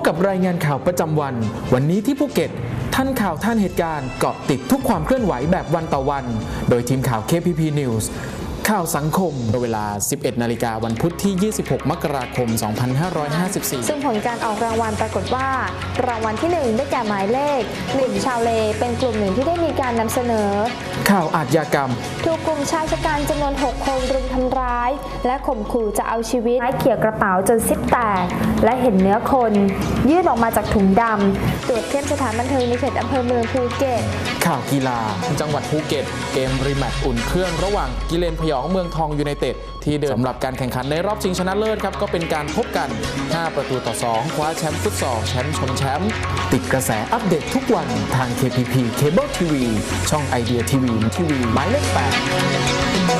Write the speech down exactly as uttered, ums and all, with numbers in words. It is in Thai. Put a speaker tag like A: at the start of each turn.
A: กับรายงานข่าวประจำวันวันนี้ที่ภูเก็ตทันข่าวทันเหตุการณ์เกาะติดทุกความเคลื่อนไหวแบบวันต่อวันโดยทีมข่าว เค พี พี News ข่าวสังคมเวลา สิบเอ็ดนาฬิกาวันพุธที่ ยี่สิบหก มกราคม สองพันห้าร้อยห้าสิบสี่
B: ซึ่งผลการออกรางวัลปรากฏว่ารางวัลที่หนึ่งได้แก่หมายเลขหนึ่งชาวเลเป็นกลุ่มหนึ่งที่ได้มีการนำเสนอ
A: ข่าวอาชญากรรม
B: ถูกกลุ่มชายชะกันจำนวนหกคนรุมทำร้ายและข่มขู่จะเอาชีวิตไม้เขี่ยกระเป๋าจนซิปแตกและเห็นเนื้อคนยื่นออกมาจากถุงดำตรวจเข้มสถานบันเทิงในเขตอำเภอเมืองภูเก็ต
A: ข่าวกีฬาจังหวัดภูเก็ตเกมรีแมตช์อุ่นเครื่องระหว่างกิเลนพยองเมืองทองยูไนเต็ดที่เดิมสำหรับการแข่งขันในรอบชิงชนะเลิศครับก็เป็นการพบกันห้าประตูต่อสองคว้าแชมป์ฟุตซอลแชมป์ชนแชมป์ติดกระแสอัปเดตทุกวันทาง เค พี พี Cable ที วี ช่องไอเดียทีวีทีวีหมายเลขแปด